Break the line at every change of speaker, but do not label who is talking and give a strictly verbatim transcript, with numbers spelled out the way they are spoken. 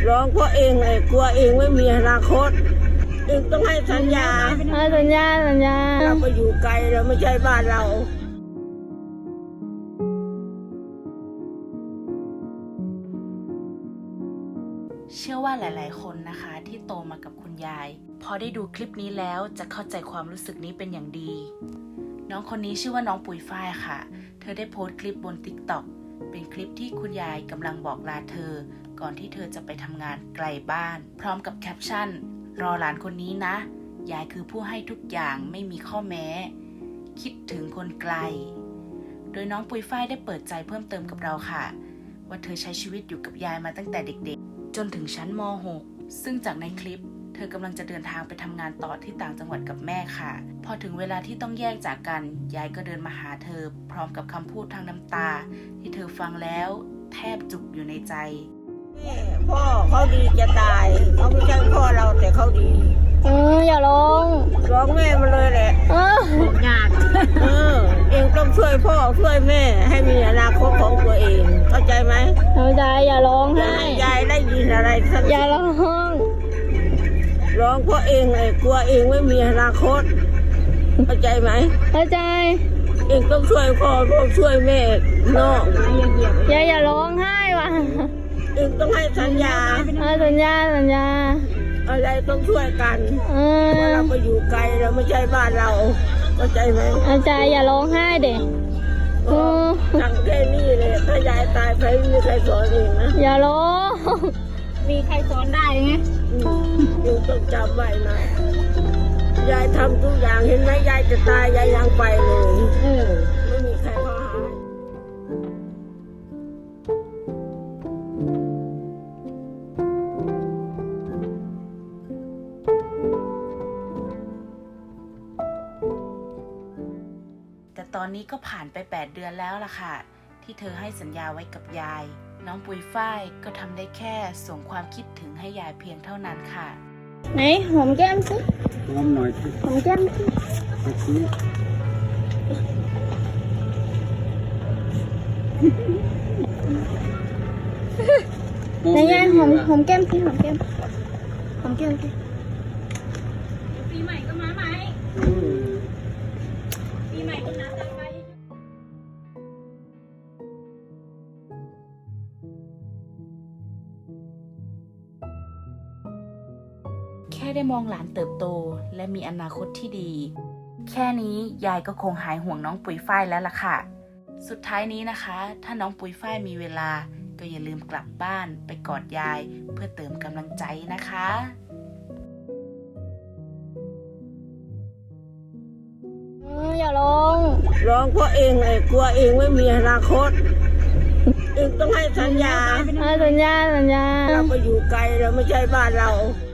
ร้องเพราะเองเลยกลัวเองไม่มีอนาคตเองต้องให้สัญญา
สัญญาสัญญา
เราไปอยู่ไกลเราไม่ใช่บ้านเรา
เชื่อว่าหลายๆคนนะคะที่โตมากับคุณยายพอได้ดูคลิปนี้แล้วจะเข้าใจความรู้สึกนี้เป็นอย่างดีน้องคนนี้ชื่อว่าน้องปุ๋ยฝ้ายค่ะเธอได้โพสต์คลิปบน ติ๊กต็อก เป็นคลิปที่คุณยายกำลังบอกลาเธอก่อนที่เธอจะไปทำงานไกลบ้านพร้อมกับแคปชั่นรอหลานคนนี้นะยายคือผู้ให้ทุกอย่างไม่มีข้อแม้คิดถึงคนไกลโดยน้องปุ๋ยฝ้ายได้เปิดใจเพิ่มเติมกับเราค่ะว่าเธอใช้ชีวิตอยู่กับยายมาตั้งแต่เด็กๆจนถึงชั้นม หก ซึ่งจากในคลิปเธอกำลังจะเดินทางไปทำงานต่อที่ต่างจังหวัดกับแม่ค่ะพอถึงเวลาที่ต้องแยกจากกันยายก็เดินมาหาเธอพร้อมกับคำพูดทางน้ำตาที่เธอฟังแล้วแทบจุกอยู่ในใจ
แม่พ่อเขาดีจะตายเขาไม่ใช่พ่อเราแต่เขาดี
เอออย่าร้อง
ร้องแม่มาเลยแหละ
เออย
ากเออเองต้องช่วยพ่อช่วยแม่ให้มีอนาคตของตัวเองเข้าใจไหม
เข้าใจอย่าร้องให้
ยายได้ยินอะไรสัก
อย่าร้อง
ร้องเพราะเองเลยกลัวเองไม่มีอนาคตเข้าใจไหม
เข้าใจ
เองต้องช่วยพ่อพ่อช่วยแม่น้อง
อย่าอย่าร้องไห้ว่ะ
เองต้องให้สัญญา
สัญญาสัญญา
อะไรต้องช่วยกันเพราะเราไปอยู่ไกลเราไม่ใช่บ้านเราเข้าใจไหม
เข้าใจอย่าร้องไห้เด็ก
สั่งแค่นี้เลยถ้ายายตายไปไม่มีใครสอนเองนะ
อย่าร้องมีใครสอนได้ไง
อยู่ต้องจำไว้นะยายทำทุกอย่างเห็นไหมยายจะตายยายยังไปเลยไม่มีใครพาหา
แต่ตอนนี้ก็ผ่านไปแปดเดือนแล้วล่ะค่ะที่เธอให้สัญญาไว้กับยายน้องปุ๋ยฝ้ายก็ทำได้แค่ส่งความคิดถึงให้ยายเพียงเท่านั้นค่ะ
ไหนหอมแก้มสิ
หอมหน่อยสิ
หอมแก้มสิไหนยายหอมหอมแก้มสิหอมแก้มหอมแก้มสิปีใหม่ก็มาไหมปีใหม่ก็นัดกันไป
แค่ได้มองหลานเติบโตและมีอนาคตที่ดีแค่นี้ยายก็คงหายห่วงน้องปุ๋ยฝ้ายแล้วล่ะค่ะสุดท้ายนี้นะคะถ้าน้องปุ๋ยฝ้ายมีเวลาก็อย่าลืมกลับบ้านไปกอดยายเพื่อเติมกำลังใจนะคะ
อย่าร้อง
ร้องเพราะเองเลยกลัวเองไม่มีอนาคตเองต้องให้สัญญา
สัญญาสัญญา
เราไปอยู่ไกลเราไม่ใช่บ้านเรา